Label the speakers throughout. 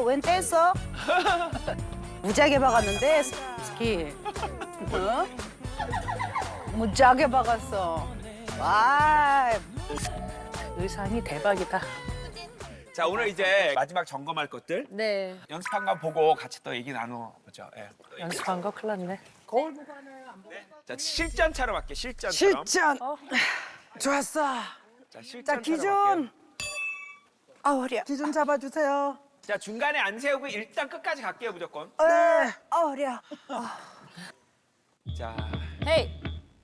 Speaker 1: 웬 뗐어? 무지하게 박았는데 스키. 어? 무지하게 박았어. 와, 의상이 대박이다.
Speaker 2: 자, 오늘 이제 마지막 점검할 것들
Speaker 3: 네.
Speaker 2: 연습한 거 보고 같이 또 얘기 나눠보죠. 예.
Speaker 3: 연습한 거 큰일 났네.
Speaker 2: 자, 실전처럼 할게. 실전처럼.
Speaker 1: 실전. 좋았어.
Speaker 2: 자,
Speaker 1: 자,
Speaker 2: 실전처럼
Speaker 1: 기준.
Speaker 2: 할게요.
Speaker 1: 아, 허리야. 기준 잡아주세요.
Speaker 2: 자, 중간에 안 세우고 일단 끝까지 갈게요, 무조건.
Speaker 1: 네. 허리야.
Speaker 2: 자,
Speaker 3: 헤이.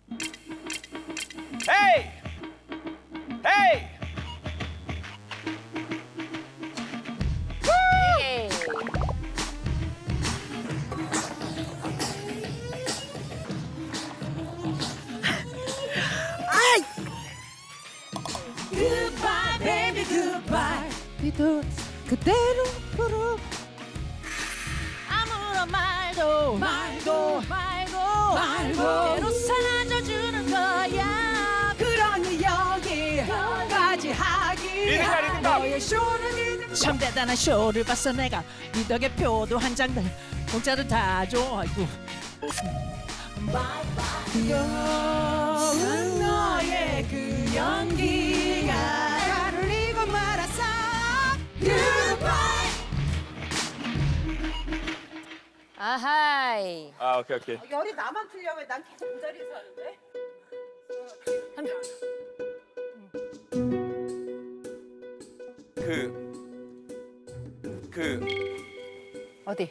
Speaker 2: 헤이! 헤이!
Speaker 3: 헤이.
Speaker 4: Goodbye, baby, goodbye. 비도 그대로 부르. 아무런 말도 말고 그대로 사라져주는 거야. 그러니 여기까지 하기.
Speaker 2: 리듬감, 리듬감.
Speaker 4: 너의 쇼를 참 대단한 쇼를 봤어 내가. 네 덕에 표도 한 장 더 공짜로 다 줘. 아이고. 귀여운 너의 그 연기가 나를 잊고 말았어. Goodbye.
Speaker 3: 아하이.
Speaker 2: 아, 오케이, 오케이.
Speaker 1: 열이 나만 틀려면 난 계속 그 자리에서 하는데. 어디?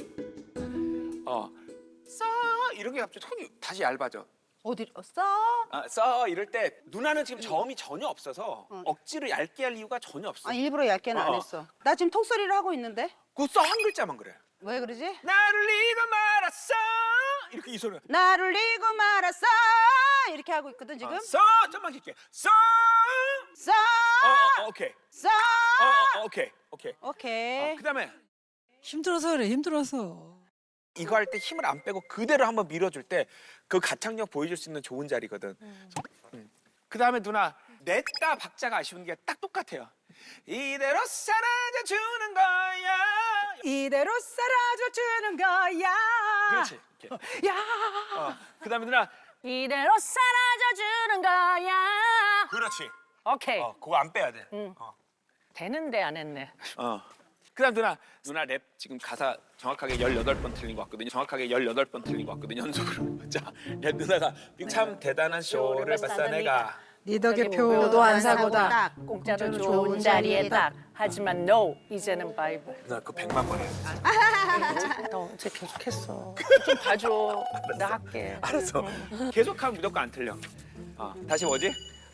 Speaker 2: 써 이런 게 갑자기 톤이 다시 얇아져.
Speaker 1: 어디 써?
Speaker 2: 아, 써 이럴 때 누나는 지금 저음이 전혀 없어서 억지로 얇게 할 이유가 전혀 없어.
Speaker 1: 아, 일부러 얇게는 안
Speaker 2: 어.
Speaker 1: 했어. 나 지금 톡소리를 하고 있는데.
Speaker 2: 그 써 한 글자만 그래.
Speaker 1: 왜 그러지?
Speaker 2: 나를 잊고 말았어. 이렇게 이 소리.
Speaker 1: 나를 잊고 말았어. 이렇게 하고 있거든 지금.
Speaker 2: 써 좀만 길게. 써.
Speaker 1: 써.
Speaker 2: 오케이.
Speaker 1: 써.
Speaker 2: 오케이. 오케이.
Speaker 1: 오케이.
Speaker 2: 그다음에
Speaker 4: 힘들어서 그래 힘들어서.
Speaker 2: 이거 할 때 힘을 안 빼고 그대로 한번 밀어줄 때 그 가창력 보여줄 수 있는 좋은 자리거든. 그다음에 누나 냈다 박자가 아쉬운 게 딱 똑같아요. 이대로 사라져주는 거야.
Speaker 1: 이대로 사라져주는 거야.
Speaker 2: 그렇지. 이렇게.
Speaker 1: 야.
Speaker 2: 그다음에 누나
Speaker 3: 이대로 사라져주는 거야.
Speaker 2: 그렇지.
Speaker 3: 오케이.
Speaker 2: 그거 안 빼야 돼.
Speaker 3: 되는데 안 했네.
Speaker 2: 그다음 누나 랩 지금 가사 정확하게 18번 틀린 것 같거든요. 정확하게 18번 틀린 것 같거든요. 연속으로. 자, 누나가 참 대단한 쇼를 봤어 내가.
Speaker 4: 네 덕에
Speaker 3: 표도
Speaker 4: 안 사고다.
Speaker 3: 공짜로 좋은 자리에 딱. 하지만 no, 이제는 바이바이.
Speaker 2: 누나 그거 100만 번 해.
Speaker 3: 너 언제 계속했어. 좀 봐줘. 나 할게.
Speaker 2: 알았어. 계속하면 무조건 안 틀려. 다시 뭐지?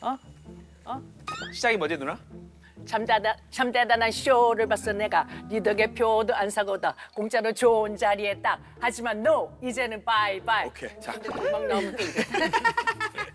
Speaker 2: 시작이 뭐지 누나?
Speaker 3: 참 대단한 쇼를 봤어 내가. 네 덕에 표도 안 사고다. 공짜로 좋은 자리에 딱. 하지만 no, 이제는 바이바이.
Speaker 2: 오케이. 자,
Speaker 3: 근데 금방 나오면 또 이래.